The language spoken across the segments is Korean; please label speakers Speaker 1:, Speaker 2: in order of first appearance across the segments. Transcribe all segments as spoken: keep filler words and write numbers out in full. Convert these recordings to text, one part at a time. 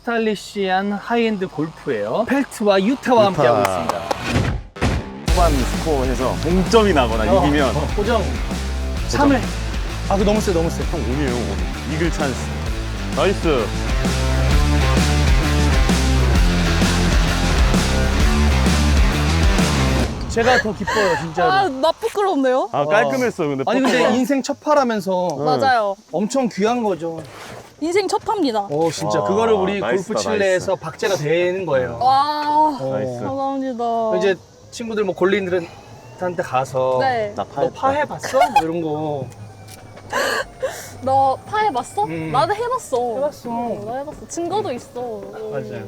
Speaker 1: 스타일리시한 하이엔드 골프예요. 펠트와 유타와
Speaker 2: 유타.
Speaker 1: 함께하고 있습니다.
Speaker 2: 후반 스코어에서 동점이 나거나
Speaker 1: 어,
Speaker 2: 이기면
Speaker 1: 어, 고정 삼 회. 아, 그 너무 세, 너무 세.
Speaker 2: 형 운이에요. 운. 이글 찬스. 나이스.
Speaker 1: 제가 더 기뻐요, 진짜로.
Speaker 3: 아, 나 부끄럽네요.
Speaker 2: 아 깔끔했어. 근데
Speaker 1: 아니 근데
Speaker 2: 퍼터가.
Speaker 1: 인생 첫 파라면서
Speaker 3: 맞아요.
Speaker 1: 엄청 귀한 거죠.
Speaker 3: 인생 첫 팝니다.
Speaker 1: 어, 진짜
Speaker 2: 와,
Speaker 1: 그거를 우리
Speaker 2: 나이스다,
Speaker 1: 골프 칠레에서 박제가 되는 거예요.
Speaker 3: 와,
Speaker 1: 어.
Speaker 2: 나이스.
Speaker 3: 감사합니다.
Speaker 1: 이제 친구들 뭐 골린들한테 가서
Speaker 3: 네.
Speaker 2: 나
Speaker 1: 너
Speaker 2: 파했다.
Speaker 1: 파 해봤어? 뭐 이런 거.
Speaker 3: 너 파 해봤어?
Speaker 1: 음.
Speaker 3: 나도 해봤어.
Speaker 1: 해봤어.
Speaker 3: 어, 나 해봤어. 증거도 있어.
Speaker 1: 맞아요.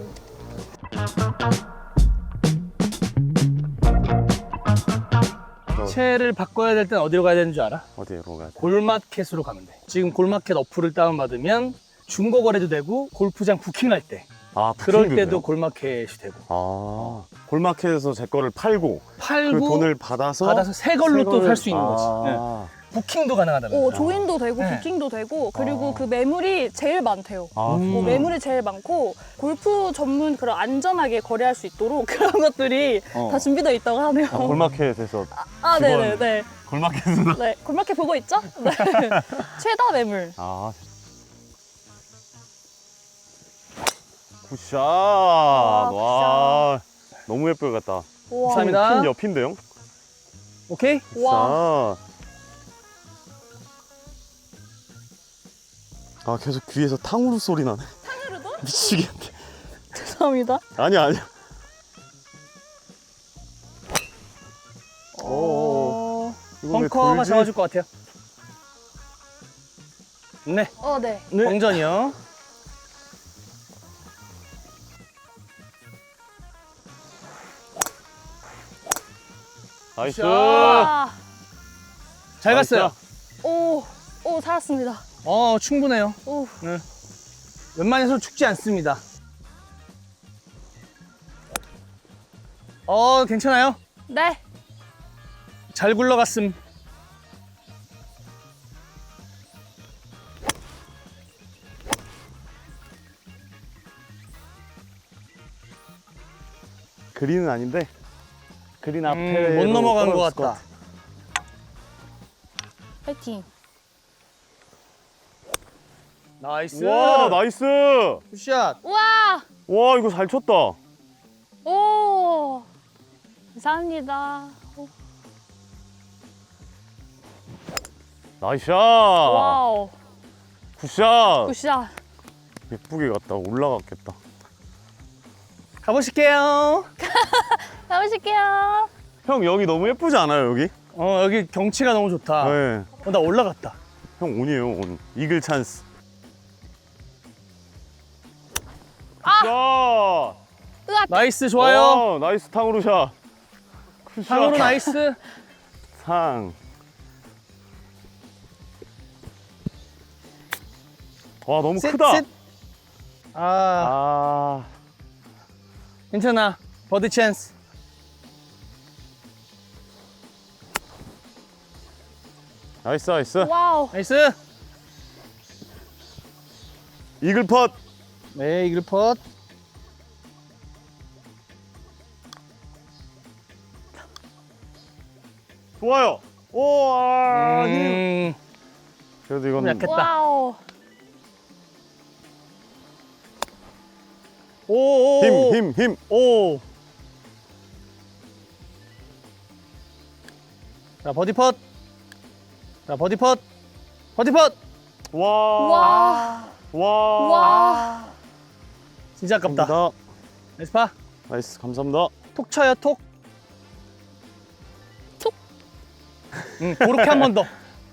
Speaker 1: 채를 바꿔야 될 땐 어디로 가야 되는 줄 알아?
Speaker 2: 어디로 가야 돼?
Speaker 1: 골마켓으로 가면 돼. 지금 골마켓 어플을 다운받으면 중고 거래도 되고 골프장 부킹할 때
Speaker 2: 아
Speaker 1: 그럴
Speaker 2: 부킹도
Speaker 1: 때도
Speaker 2: 돼요?
Speaker 1: 골마켓이 되고
Speaker 2: 아 골마켓에서 제 거를 팔고
Speaker 1: 팔고
Speaker 2: 그 돈을 받아서
Speaker 1: 받아서 새 걸로
Speaker 2: 새
Speaker 1: 또
Speaker 2: 거를-
Speaker 1: 살 수 있는 거지. 네.
Speaker 2: 아,
Speaker 1: 부킹도 가능하다면.
Speaker 3: 어, 조인도 되고
Speaker 1: 네.
Speaker 3: 부킹도 되고 그리고
Speaker 2: 아.
Speaker 3: 그 매물이 제일 많대요.
Speaker 2: 아,
Speaker 1: 음.
Speaker 3: 어, 매물이 제일 많고 골프 전문 그런 안전하게 거래할 수 있도록 그런 것들이
Speaker 2: 어.
Speaker 3: 다 준비되어 있다고 하네요.
Speaker 2: 아, 골마켓에서
Speaker 3: 아,
Speaker 2: 직원.
Speaker 3: 네네네.
Speaker 2: 골마켓에서
Speaker 3: 네, 골마켓 보고 있죠? 네. 최다 매물.
Speaker 2: 아 굿샷. 와, 너무 예쁠 것 같다.
Speaker 3: 우와.
Speaker 1: 감사합니다.
Speaker 2: 핀 옆인데요?
Speaker 1: 오케이?
Speaker 3: 와.
Speaker 2: 굿샷. 아 계속 귀에서 탕후루 소리 나네.
Speaker 3: 탕후루도?
Speaker 2: 미치겠네.
Speaker 3: 죄송합니다.
Speaker 2: 아니야 아니야. 오.
Speaker 3: 어,
Speaker 2: 이거 왜
Speaker 1: 벙커가
Speaker 2: 돌지?
Speaker 1: 잡아줄 것 같아요. 네,
Speaker 3: 어, 네.
Speaker 2: 네.
Speaker 1: 공전이요.
Speaker 2: 나이스.
Speaker 1: 굿샷.
Speaker 3: 와.
Speaker 1: 잘 갔어요.
Speaker 3: 오, 오, 살았습니다.
Speaker 1: 어, 충분해요.
Speaker 3: 오,
Speaker 1: 웬만해서 죽지 않습니다. 어, 괜찮아요?
Speaker 3: 네.
Speaker 1: 잘 굴러갔음.
Speaker 2: 그린은 아닌데 그린 앞에
Speaker 1: 음, 못 넘어간 것 같다.
Speaker 3: 파이팅.
Speaker 1: 나이스.
Speaker 2: 와 나이스.
Speaker 1: 굿샷.
Speaker 3: 우와.
Speaker 2: 와 이거 잘 쳤다.
Speaker 3: 오. 감사합니다. 오,
Speaker 2: 나이스 샷.
Speaker 3: 와우.
Speaker 2: 굿샷.
Speaker 3: 굿샷.
Speaker 2: 예쁘게 갔다. 올라갔겠다.
Speaker 1: 가보실게요.
Speaker 3: 가보실게요.
Speaker 2: 형 여기 너무 예쁘지 않아요 여기?
Speaker 1: 어, 여기 경치가 너무 좋다.
Speaker 2: 네.
Speaker 1: 어, 나 올라갔다.
Speaker 2: 형 온이에요 온. 이글 찬스. 아! 굿샷.
Speaker 1: 나이스, 좋아요.
Speaker 2: 와, 나이스 탕후루 샷. 굿샷.
Speaker 1: 상으로 나이스.
Speaker 2: 상. 와 너무
Speaker 1: 셋,
Speaker 2: 크다.
Speaker 1: 셋. 아,
Speaker 2: 아.
Speaker 1: 괜찮아. 버디 찬스.
Speaker 2: 나이스 나이스.
Speaker 3: 와우.
Speaker 1: 나이스.
Speaker 2: 이글 펫.
Speaker 1: 네, 이글 펫.
Speaker 2: 좋아요. 오, 아, 힘.
Speaker 1: 음,
Speaker 2: 그래도
Speaker 1: 좀
Speaker 2: 이건
Speaker 1: 약했다.
Speaker 3: 와우.
Speaker 1: 오, 오, 오.
Speaker 2: 힘, 힘, 힘.
Speaker 1: 오. 자, 버디 펫. 자, 버디 펫. 버디 펫.
Speaker 2: 와.
Speaker 3: 와.
Speaker 2: 와.
Speaker 3: 와.
Speaker 1: 진짜 아깝다.
Speaker 2: 감사합니다.
Speaker 1: 나이스 파.
Speaker 2: 나이스, 감사합니다.
Speaker 1: 톡 쳐요, 톡.
Speaker 3: 톡.
Speaker 1: 응, 그렇게 한 번 더.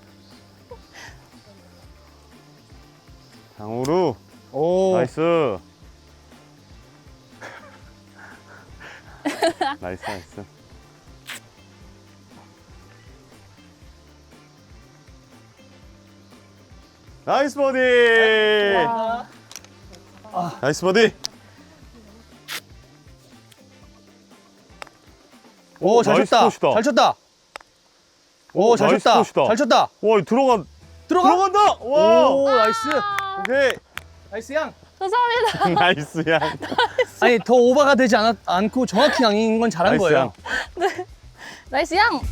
Speaker 2: 장우루.
Speaker 1: 오.
Speaker 2: 나이스. 나이스, 나이스. 나이스 버디.
Speaker 3: 와.
Speaker 2: 나이스 버디.
Speaker 1: 오, 잘
Speaker 2: 나이스
Speaker 1: 쳤다.
Speaker 2: 컷이다.
Speaker 1: 잘 쳤다. 오, 잘
Speaker 2: 나이스
Speaker 1: 쳤다.
Speaker 2: 컷이다.
Speaker 1: 잘 쳤다.
Speaker 2: 와, 이거 들어간
Speaker 1: 들어가.
Speaker 2: 들어간다. 와.
Speaker 1: 오, 나이스.
Speaker 2: 오케이.
Speaker 1: 나이스 양.
Speaker 3: 감사합니다.
Speaker 2: 나이스 양.
Speaker 1: 아니 더 오버가 되지 않았, 않고 정확히 양인 건 잘한
Speaker 2: 나이스
Speaker 1: 거예요.
Speaker 2: 양.
Speaker 3: 나이스 양.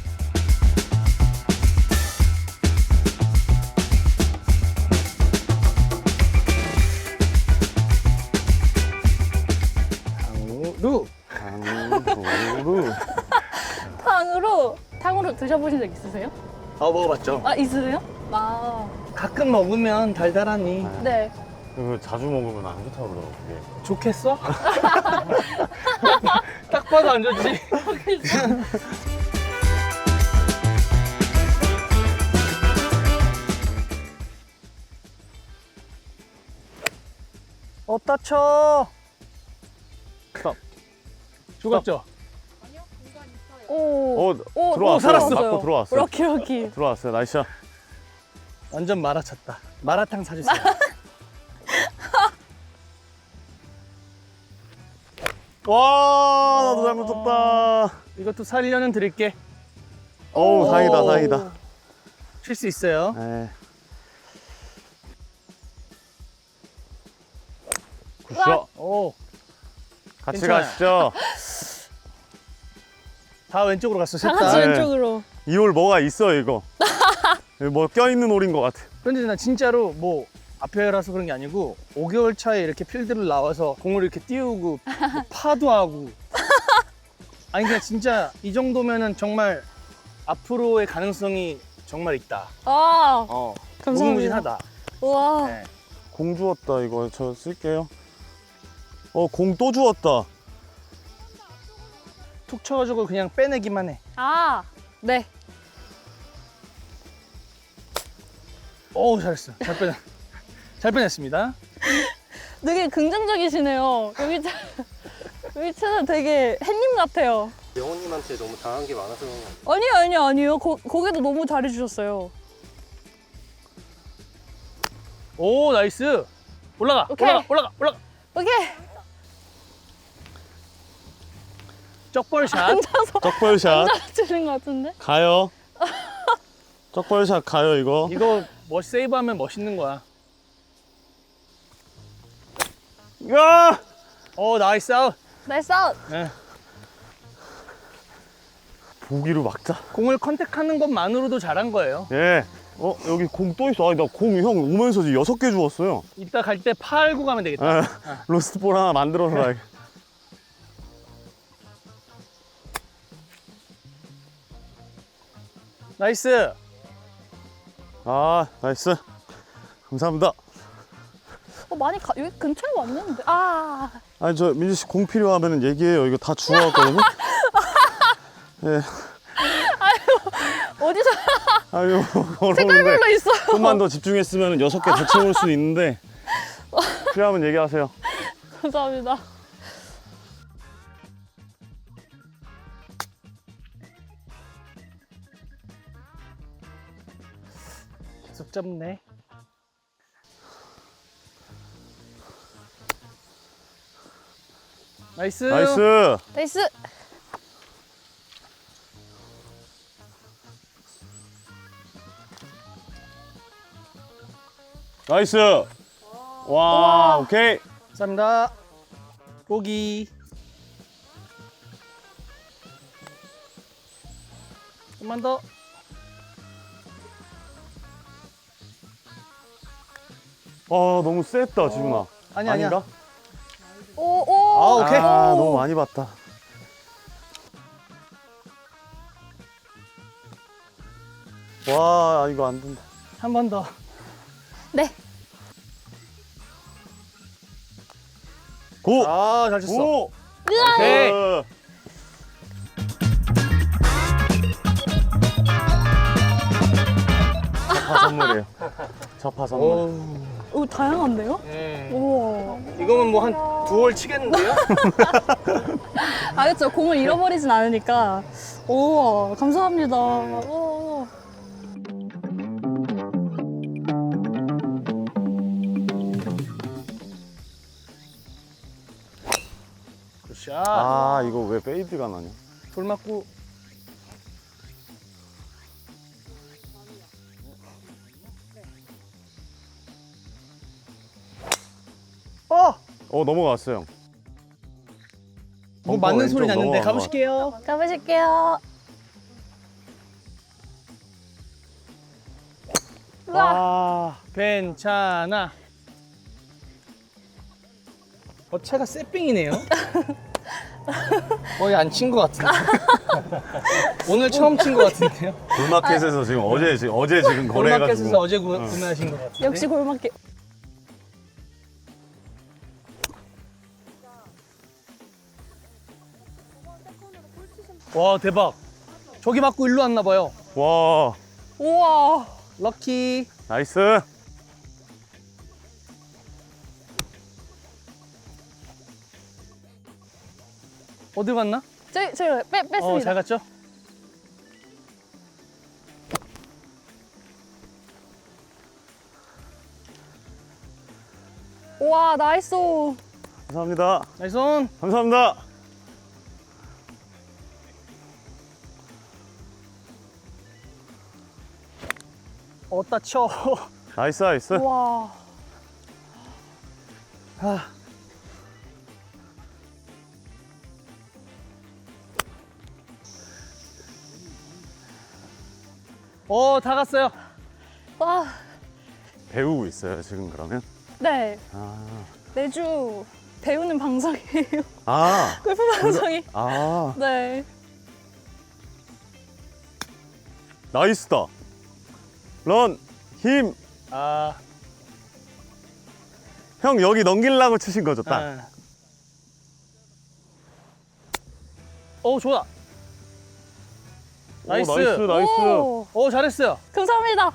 Speaker 1: 루.
Speaker 2: 강도루.
Speaker 3: 탕으로 탕으로 드셔보신 적 있으세요?
Speaker 1: 아 먹어봤죠.
Speaker 3: 아 있으세요? 아
Speaker 1: 가끔 먹으면 달달하니
Speaker 3: 네.
Speaker 2: 그 자주 먹으면 안 좋다고 그러더라고 그게.
Speaker 1: 좋겠어? 딱 봐도 안 좋지. 어따 쳐.
Speaker 2: 스톱.
Speaker 1: 죽었죠?
Speaker 3: 오.
Speaker 2: 어
Speaker 3: 오,
Speaker 2: 들어왔어요.
Speaker 1: 살았어.
Speaker 2: 맞고 들어왔어요.
Speaker 3: 럭키 럭키.
Speaker 2: 들어왔어요. 나이스 샷.
Speaker 1: 완전 마라쳤다. 마라탕 사주세요.
Speaker 2: 와 나도 잘못 쳤다.
Speaker 1: 이것도 살려는 드릴게.
Speaker 2: 어우
Speaker 3: 오.
Speaker 2: 다행이다 다행이다.
Speaker 1: 칠 수 있어요.
Speaker 2: 네.
Speaker 3: 으악.
Speaker 2: 굿샷.
Speaker 1: 오,
Speaker 2: 같이
Speaker 1: 괜찮아요.
Speaker 2: 가시죠.
Speaker 1: 다 왼쪽으로 갔어. 셋
Speaker 3: 다 같이
Speaker 1: 다.
Speaker 2: 네.
Speaker 3: 왼쪽으로.
Speaker 2: 이 홀 뭐가 있어 이거. 여기 뭐 껴있는 홀인 것 같아.
Speaker 1: 그런데 나 진짜로 뭐 앞에라서 그런 게 아니고 오 개월 차에 이렇게 필드를 나와서 공을 이렇게 띄우고 뭐 파도 하고 아니 그냥 진짜 이 정도면은 정말 앞으로의 가능성이 정말 있다.
Speaker 3: 아
Speaker 1: 어,
Speaker 3: 감사합니다.
Speaker 1: 무궁무진하다.
Speaker 3: 와.
Speaker 1: 네.
Speaker 2: 공 주웠다 이거 저 쓸게요. 어 공 또 주웠다.
Speaker 1: 툭 쳐가지고 그냥 빼내기만 해.
Speaker 3: 아 네.
Speaker 1: 오 잘했어. 잘 빼내. 잘 빼냈습니다.
Speaker 3: 되게 긍정적이시네요. 여기 차- 여기 차는 되게 햇님 같아요.
Speaker 4: 영호님한테 너무 당한 게 많아서
Speaker 3: 아니요 아니요 아니요. 거, 거기도 너무 잘해주셨어요.
Speaker 1: 오 나이스. 올라가.
Speaker 3: 오케이.
Speaker 1: 올라가. 올라가. 올라가.
Speaker 3: 오케이.
Speaker 1: 쩍벌샷.
Speaker 3: 앉아서
Speaker 2: 쩍벌샷
Speaker 3: 앉아서 치는 것 같은데.
Speaker 2: 가요. 쩍벌샷 가요 이거.
Speaker 1: 이거 뭐 세이브하면 멋있는 거야.
Speaker 2: 야!
Speaker 1: 오 나이스 아웃.
Speaker 3: 나이스 아웃.
Speaker 1: 네.
Speaker 2: 보기로 막자.
Speaker 1: 공을 컨택하는 것만으로도 잘한 거예요.
Speaker 2: 예. 어 여기 공 또 있어. 아니 나 공 형 오면서 지금 여섯 개 주웠어요.
Speaker 1: 이따 갈 때 팔고 가면 되겠다.
Speaker 2: 아, 로스트볼 하나 만들어서 가야겠.
Speaker 1: 나이스.
Speaker 2: 아 나이스. 감사합니다.
Speaker 3: 어 많이 가 여기 근처에 왔는데. 아.
Speaker 2: 아니 저 민주 씨 공 필요하면 얘기해요. 이거 다 주워왔거든요. 예.
Speaker 3: 어디서
Speaker 2: 아유 어려운데.
Speaker 3: 색깔별로 있어요.
Speaker 2: 좀만 더 집중했으면 여섯 개 더 채울 수 있는데 필요하면 얘기하세요.
Speaker 3: 감사합니다.
Speaker 1: 계속 잡네. 나이스.
Speaker 2: 나이스.
Speaker 3: 나이스.
Speaker 2: 나이스. 와,
Speaker 3: 우와.
Speaker 2: 오케이.
Speaker 1: 감사합니다. 보기. 좀만 더.
Speaker 2: 아 너무 셌다 지훈아.
Speaker 1: 아니 아니야.
Speaker 2: 아닌가?
Speaker 3: 오 오.
Speaker 1: 아, 오케이.
Speaker 2: 아 너무 많이 봤다. 와 이거 안 된다.
Speaker 1: 한 번 더.
Speaker 3: 네.
Speaker 2: 고.
Speaker 1: 아, 잘 쳤어.
Speaker 2: 고.
Speaker 1: 오케이.
Speaker 2: 어. 첫파 선물이에요. 첫파 선물.
Speaker 1: 오.
Speaker 3: 오 다양한데요?
Speaker 1: 예.
Speaker 3: 우와.
Speaker 1: 이거면 뭐 한 두 홀 치겠는데요?
Speaker 3: 아 그렇죠. 공을 잃어버리진 않으니까. 오 감사합니다. 오.
Speaker 1: 굿샷.
Speaker 2: 아 이거 왜 페이드가 나냐?
Speaker 1: 돌 맞고. 어!
Speaker 2: 어 넘어갔어요.
Speaker 1: 뭐
Speaker 2: 벙커
Speaker 1: 맞는
Speaker 2: 왼쪽
Speaker 1: 소리 났는데
Speaker 2: 넘어간 것
Speaker 1: 가보실게요.
Speaker 3: 가보실게요. 우와.
Speaker 1: 아, 괜찮아. 어, 차가 쎄삥이네요. 거의 안 친 것 같은데. 오늘 처음 친 것 같은데요.
Speaker 2: 골마켓에서 지금 어제 지금 어제 지금 거래해가지고.
Speaker 1: 골마켓에서 어제 구, 구매하신 것 같은데.
Speaker 3: 역시 골목길.
Speaker 1: 와, 대박. 저기 맞고 일로 왔나 봐요.
Speaker 2: 와
Speaker 3: 우와.
Speaker 1: 럭키.
Speaker 2: 나이스.
Speaker 1: 어디 갔나?
Speaker 3: 저기 저기 빼 뺐습니다.
Speaker 1: 어, 잘 갔죠?
Speaker 3: 우와 나이스.
Speaker 2: 감사합니다.
Speaker 1: 나이스 온.
Speaker 2: 감사합니다.
Speaker 1: 어따 쳐.
Speaker 2: 나이스 나이스.
Speaker 3: 우와.
Speaker 1: 아. 오, 다 갔어요.
Speaker 3: 와.
Speaker 2: 배우고 있어요 지금 그러면.
Speaker 3: 네.
Speaker 2: 아.
Speaker 3: 매주 배우는 방송이에요.
Speaker 2: 아.
Speaker 3: 골프 방송이.
Speaker 2: 아.
Speaker 3: 네.
Speaker 2: 나이스다. 런 힘.
Speaker 1: 아,
Speaker 2: 형 여기 넘기려고 치신 거죠 딱.
Speaker 1: 아. 오, 좋아. 나이스.
Speaker 2: 오, 나이스 나이스.
Speaker 3: 오,
Speaker 1: 오, 잘했어요.
Speaker 3: 감사합니다.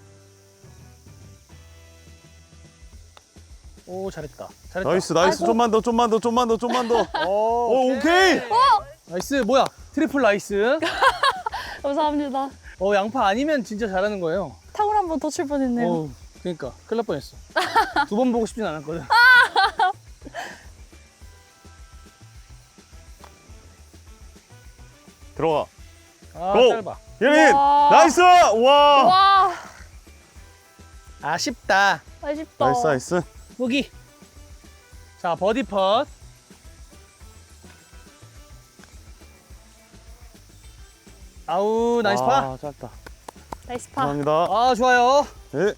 Speaker 1: 오, 잘했다. 잘했다.
Speaker 2: 나이스 나이스.
Speaker 3: 아이고.
Speaker 2: 좀만 더 좀만 더 좀만 더 좀만 더.
Speaker 1: 오,
Speaker 2: 오 오케이.
Speaker 1: 나이스. 뭐야? 트리플 나이스.
Speaker 3: 감사합니다.
Speaker 1: 어, 양파 아니면 진짜 잘하는 거예요.
Speaker 3: 탕후루 한 번 더 칠 뻔했네요.
Speaker 1: 어, 그러니까 큰일 날 뻔했어. 두 번 보고 싶진 않았거든.
Speaker 2: 들어가.
Speaker 1: 아,
Speaker 2: 고!
Speaker 1: 짧아.
Speaker 2: 예린
Speaker 3: 와.
Speaker 2: 나이스. 와.
Speaker 3: 와.
Speaker 1: 아쉽다.
Speaker 3: 아쉽다.
Speaker 2: 나이스 나이스.
Speaker 1: 보기. 자, 버디 펫. 아우, 나이스 파.
Speaker 2: 와, 짧다.
Speaker 3: 나이스 파.
Speaker 2: 감사합니다.
Speaker 1: 아, 좋아요.
Speaker 2: 네.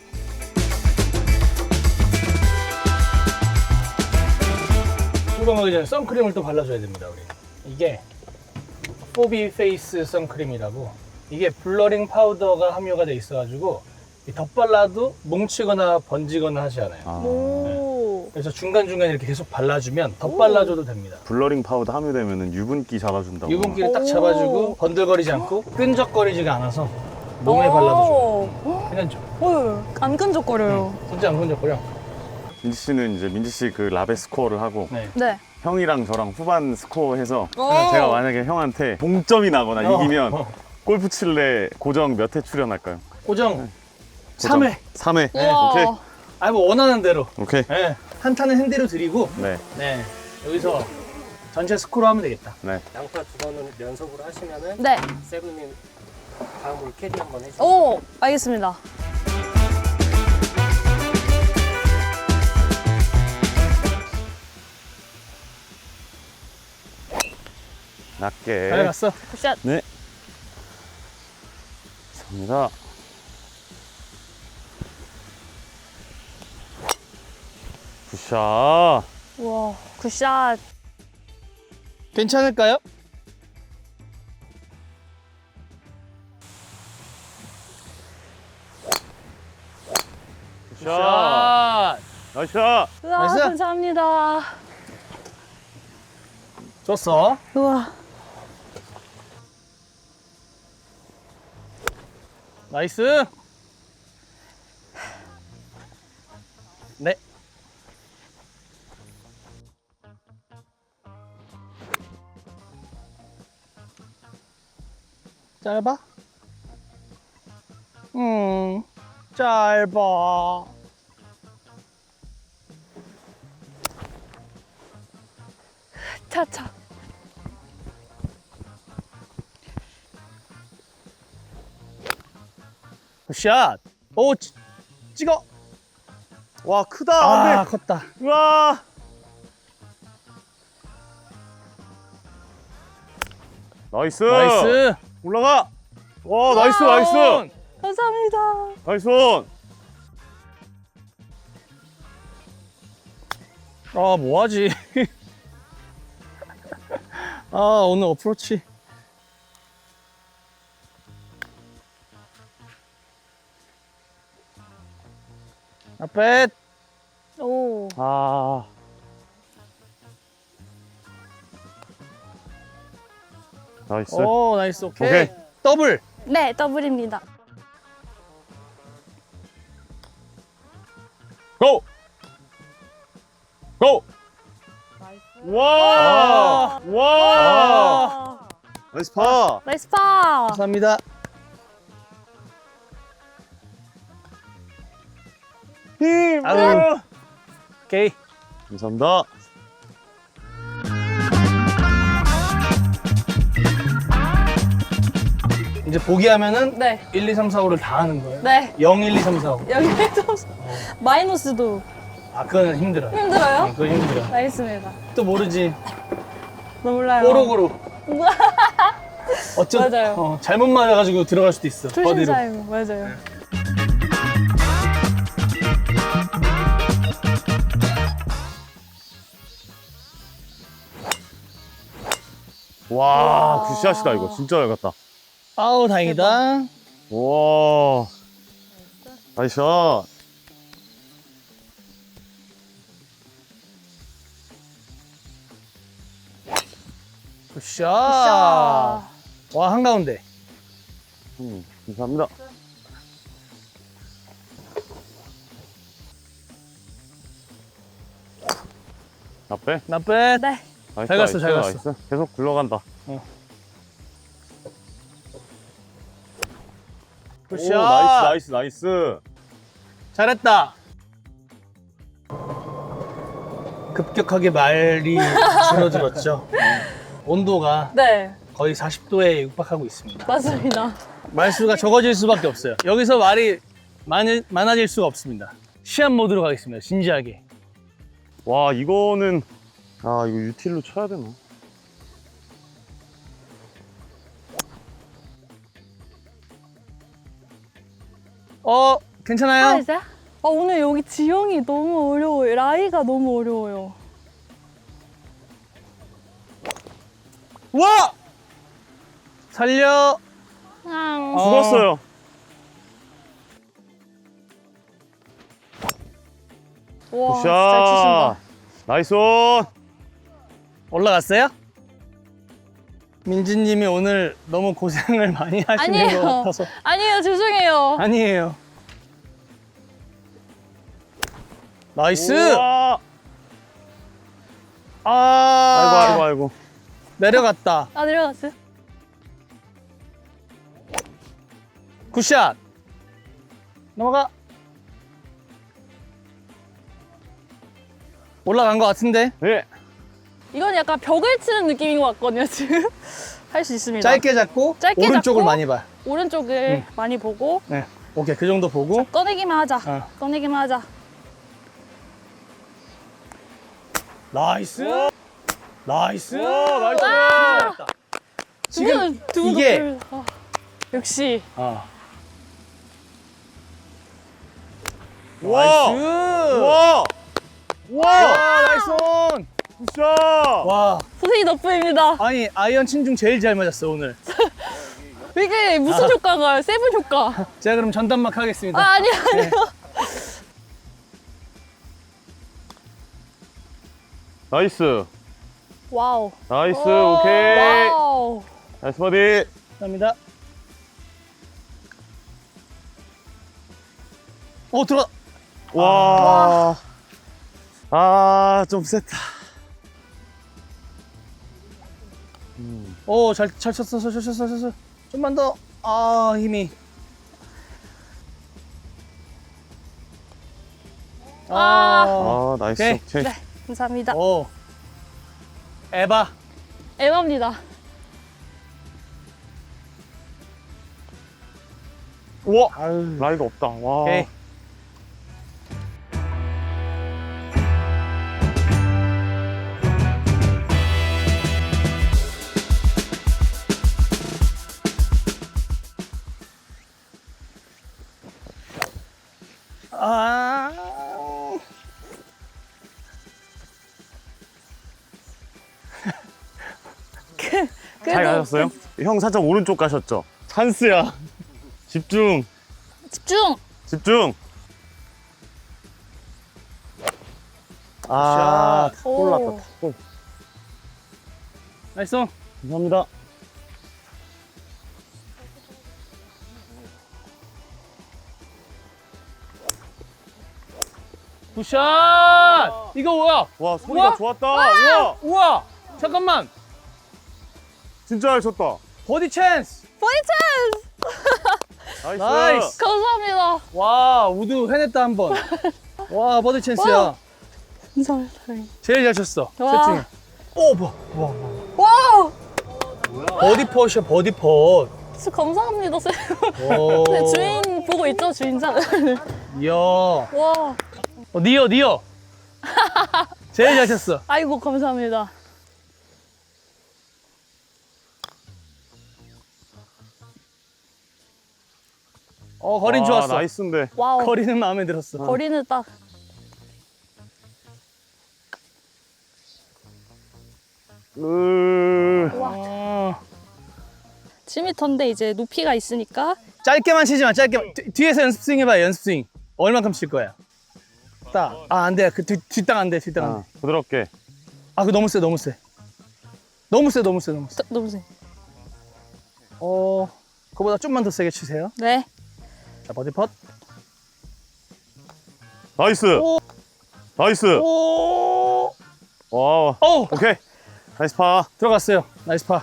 Speaker 1: 출범하기 전에 선크림을 또 발라줘야 됩니다, 우리. 이게 포비 페이스 선크림이라고. 이게 블러링 파우더가 함유가 돼 있어가지고 이 덧발라도 뭉치거나 번지거나 하지 않아요.
Speaker 2: 아.
Speaker 3: 오.
Speaker 1: 그래서 중간중간 이렇게 계속 발라주면 덧발라줘도 됩니다.
Speaker 2: 블러링 파우더 함유되면 유분기 잡아준다고.
Speaker 1: 유분기를 딱
Speaker 3: 오.
Speaker 1: 잡아주고 번들거리지 않고 끈적거리지가 않아서 몸에 발라도 좋아요. 괜찮죠?
Speaker 3: 오. 안 끈적거려요.
Speaker 1: 진짜 안 끈적거려.
Speaker 2: 민지 씨는 이제 민지 씨 그 라베 스코어를 하고
Speaker 1: 네.
Speaker 3: 네.
Speaker 2: 형이랑 저랑 후반 스코어 해서
Speaker 3: 오.
Speaker 2: 제가 만약에 형한테 동점이 나거나
Speaker 1: 어,
Speaker 2: 이기면
Speaker 1: 어.
Speaker 2: 골프 칠래 고정 몇 회 출연할까요?
Speaker 1: 고정 삼 회.
Speaker 2: 삼 회.
Speaker 1: 네,
Speaker 3: 우와.
Speaker 2: 오케이.
Speaker 1: 아, 뭐 원하는 대로.
Speaker 2: 오케이.
Speaker 1: 네. 한타는 핸디로 드리고,
Speaker 2: 네.
Speaker 1: 네. 여기서 전체 스코어 하면 되겠다.
Speaker 2: 네.
Speaker 4: 양파 두 번은 연속으로 하시면은
Speaker 3: 네.
Speaker 4: 세븐님 다음으로 캐디 한번 해주세요.
Speaker 3: 오. 알겠습니다.
Speaker 2: 낮게.
Speaker 1: 잘 갔어.
Speaker 3: 굿샷.
Speaker 2: 네. 감사합니다. 굿샷.
Speaker 3: 우와. 굿샷.
Speaker 1: 괜찮을까요?
Speaker 2: 굿샷.
Speaker 1: 샷.
Speaker 2: 나이스.
Speaker 3: 우와.
Speaker 1: 나이스.
Speaker 3: 감사합니다.
Speaker 1: 좋았어.
Speaker 3: 우와.
Speaker 1: 나이스. 네. 짧아? 음, 짧아.
Speaker 3: 차차.
Speaker 1: 샷. 오, 찌, 찍어.
Speaker 2: 와 크다.
Speaker 1: 아,
Speaker 2: 안 돼.
Speaker 1: 컸다.
Speaker 2: 우와. 나이스.
Speaker 1: 나이스.
Speaker 2: 올라가. 와, 나이스, 나이스.
Speaker 3: 감사합니다.
Speaker 2: 나이스 온.
Speaker 1: 아, 뭐하지? 아, 오늘 어프로치. 앞에.
Speaker 3: 오.
Speaker 2: 아. 나이스.
Speaker 1: 오, 나이스. 오케이.
Speaker 2: 오케이.
Speaker 1: 더블.
Speaker 3: 네, 더블입니다.
Speaker 2: 고! 고! 와! 와!
Speaker 3: 아.
Speaker 2: 나이스 파!
Speaker 3: 나이스 파.
Speaker 1: 감사합니다.
Speaker 2: 힘!
Speaker 1: 아유. 오케이.
Speaker 2: 감사합니다.
Speaker 1: 이제 보기하면은
Speaker 3: 네.
Speaker 1: 일, 이, 삼, 사, 오를 다 하는 거예요.
Speaker 3: 네.
Speaker 1: 영, 일, 이, 삼, 사, 오.
Speaker 3: 여기에서 마이너스도
Speaker 1: 아, 그건 힘들어요.
Speaker 3: 힘들어요?
Speaker 1: 응, 그건 힘들어.
Speaker 3: 알겠습니다.
Speaker 1: 또 모르지.
Speaker 3: 몰라요.
Speaker 1: 뽀록으로. 어쩌
Speaker 3: 맞아요.
Speaker 1: 어, 잘못 맞아가지고 들어갈 수도 있어. 버디로.
Speaker 3: 초심자이고 맞아요.
Speaker 2: 와, 굿샷이다 이거. 진짜 잘 갔다.
Speaker 1: 아우, 다행이다.
Speaker 2: 와. 나이스 샷.
Speaker 1: 굿샷.
Speaker 3: 샤.
Speaker 1: 와, 한가운데.
Speaker 2: 음, 감사합니다. 앞에?
Speaker 1: 나빼.
Speaker 3: 네.
Speaker 2: 나이스,
Speaker 1: 잘 갔어, 잘
Speaker 2: 나이스,
Speaker 1: 갔어.
Speaker 2: 나이스. 계속 굴러간다.
Speaker 1: 굿샷.
Speaker 2: 오, 나이스, 나이스, 나이스.
Speaker 1: 잘했다. 급격하게 말이 줄어들었죠. 온도가
Speaker 3: 네.
Speaker 1: 거의 사십 도에 육박하고 있습니다.
Speaker 3: 맞습니다.
Speaker 1: 말수가 적어질 수밖에 없어요. 여기서 말이 많이, 많아질 수가 없습니다. 시합 모드로 가겠습니다. 진지하게.
Speaker 2: 와, 이거는 아, 이거 유틸로 쳐야 되나?
Speaker 1: 어, 괜찮아요?
Speaker 3: 이제? 아, 오늘 여기 지형이 너무 어려워요. 라이가 너무 어려워요.
Speaker 1: 와! 살려.
Speaker 3: 아,
Speaker 1: 어.
Speaker 2: 죽었어요.
Speaker 3: 와, 진짜 잘 치신다.
Speaker 2: 굿샷. 나이스 온.
Speaker 1: 올라갔어요? 민지님이 오늘 너무 고생을 많이 하시는
Speaker 3: 아니에요.
Speaker 1: 것 같아서.
Speaker 3: 아니에요, 죄송해요.
Speaker 1: 아니에요. 나이스.
Speaker 2: 우와.
Speaker 1: 아,
Speaker 2: 아이고, 아이고, 아이고.
Speaker 1: 내려갔다.
Speaker 3: 아, 내려갔어요?
Speaker 1: 굿샷. 넘어가. 올라간 것 같은데.
Speaker 2: 네.
Speaker 3: 이건 약간 벽을 치는 느낌인 것 같거든요, 지금. 할 수 있습니다.
Speaker 1: 짧게 잡고
Speaker 3: 짧게
Speaker 1: 오른쪽을
Speaker 3: 잡고.
Speaker 1: 많이 봐.
Speaker 3: 오른쪽을 많이 보고
Speaker 1: 네. 오케이, 그 정도 보고.
Speaker 3: 꺼내기만 하자.
Speaker 1: 어.
Speaker 3: 꺼내기만 하자.
Speaker 1: 나이스. 나이스.
Speaker 2: 오, 나이스.
Speaker 1: 잘했다.
Speaker 3: 두
Speaker 1: 지금
Speaker 3: 분은- 두 분은
Speaker 1: 이게
Speaker 3: 별- 아, 역시.
Speaker 1: 어.
Speaker 2: 와.
Speaker 1: 나이스.
Speaker 2: 와. 와.
Speaker 1: 와, 나이스 온.
Speaker 2: 굿샷.
Speaker 1: 와,
Speaker 3: 선생님 덕분입니다.
Speaker 1: 아니 아이언 친 중 제일 잘 맞았어 오늘.
Speaker 3: 이게 무슨 효과가요? 세븐 효과.
Speaker 1: 제가 그럼 전담막 하겠습니다.
Speaker 3: 아, 아니요, 아니요.
Speaker 2: 나이스.
Speaker 3: 와우.
Speaker 2: 나이스.
Speaker 3: 오,
Speaker 2: 오케이.
Speaker 3: 와우.
Speaker 2: 나이스 버디.
Speaker 1: 감사합니다. 오, 들어.
Speaker 2: 와. 아, 좀 셌다.
Speaker 1: 오, 잘, 잘 쳤어, 잘 쳤어, 잘 쳤어. 좀만 더. 아, 힘이. 아,
Speaker 2: 아, 나이스.
Speaker 1: 오케이.
Speaker 2: 오케이.
Speaker 3: 네, 감사합니다.
Speaker 1: 오. 에바.
Speaker 3: 에바입니다.
Speaker 2: 우와.
Speaker 1: 아유.
Speaker 2: 라이가 없다. 와.
Speaker 1: 오케이.
Speaker 2: 잘 가셨어요? 형 살짝 오른쪽 가셨죠? 찬스야. 집중.
Speaker 3: 집중.
Speaker 2: 집중. 아,
Speaker 1: 샷.
Speaker 2: 골
Speaker 3: 오.
Speaker 2: 났다. 골.
Speaker 1: 나이스.
Speaker 2: 감사합니다.
Speaker 1: 굿샷. 이거 뭐야?
Speaker 2: 와, 소리가
Speaker 1: 우와.
Speaker 2: 좋았다. 우와,
Speaker 1: 우와. 잠깐만.
Speaker 2: 진짜 잘 쳤다.
Speaker 1: 버디 찬스.
Speaker 3: 버디 찬스.
Speaker 2: 나이스.
Speaker 1: 나이스.
Speaker 3: 감사합니다.
Speaker 1: 와, 우드 해냈다 한 번. 와, 버디 찬스야.
Speaker 3: 와. 감사합니다.
Speaker 1: 제일 잘 쳤어.
Speaker 3: 와.
Speaker 1: 셋 중에. 오, 뭐. 와.
Speaker 3: 와우.
Speaker 1: 버디 펫이야, 버디 펫.
Speaker 3: 진짜 감사합니다, 쌤.
Speaker 1: 오.
Speaker 3: 네, 주인 보고 있죠, 주인장.
Speaker 1: 이야.
Speaker 3: 와.
Speaker 1: 어, 니어, 니어. 제일 잘 쳤어.
Speaker 3: 아이고, 감사합니다.
Speaker 1: 어, 거린
Speaker 2: 와,
Speaker 1: 좋았어.
Speaker 2: 나이스인데.
Speaker 3: 와우.
Speaker 1: 거리는 마음에 들었어.
Speaker 3: 거리는 딱.
Speaker 2: 으...
Speaker 3: 와.
Speaker 1: 어,
Speaker 3: 칠 미터인데 이제 높이가 있으니까.
Speaker 1: 짧게만 치지 마, 짧게만. 뒤, 뒤에서 연습 스윙 해봐, 연습 스윙. 얼만큼 칠 거야? 딱. 아, 안 돼. 그 뒤, 뒷땅 안 돼, 뒷땅 안 돼.
Speaker 2: 아, 부드럽게.
Speaker 1: 아, 그거 너무 세, 너무 세. 너무 세, 너무 세, 너무 세.
Speaker 3: 저, 너무 세.
Speaker 1: 어, 그거보다 좀만 더 세게 치세요.
Speaker 3: 네.
Speaker 1: 자, 버디 펫.
Speaker 2: 나이스.
Speaker 1: 오.
Speaker 2: 나이스.
Speaker 1: 오,
Speaker 2: 와,
Speaker 1: 오,
Speaker 2: 오케이. 나이스 파.
Speaker 1: 들어갔어요. 나이스 파.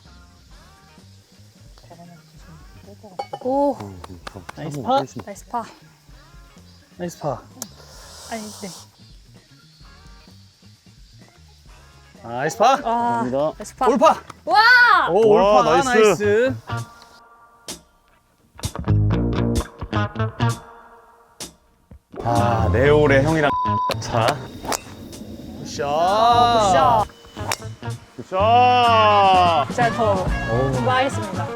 Speaker 3: 오.
Speaker 1: 나이스 파.
Speaker 3: 나이스 파.
Speaker 1: 나이스 파.
Speaker 3: 아니, 네.
Speaker 1: 나이스 파.
Speaker 3: 아.
Speaker 2: 감사합니다.
Speaker 3: 나이스 파.
Speaker 1: 올파.
Speaker 3: 와!
Speaker 1: 오,
Speaker 2: 와,
Speaker 1: 올파.
Speaker 2: 나이스.
Speaker 1: 나이스.
Speaker 2: 아, 네올의 형이랑 차.
Speaker 1: 굿샷.
Speaker 3: 굿샷.
Speaker 2: 굿샷.
Speaker 3: 제가 더 공부하겠습니다.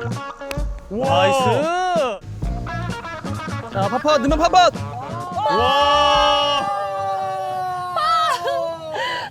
Speaker 1: 나이스. 자, 파파, 넣으면 파파.
Speaker 2: 와.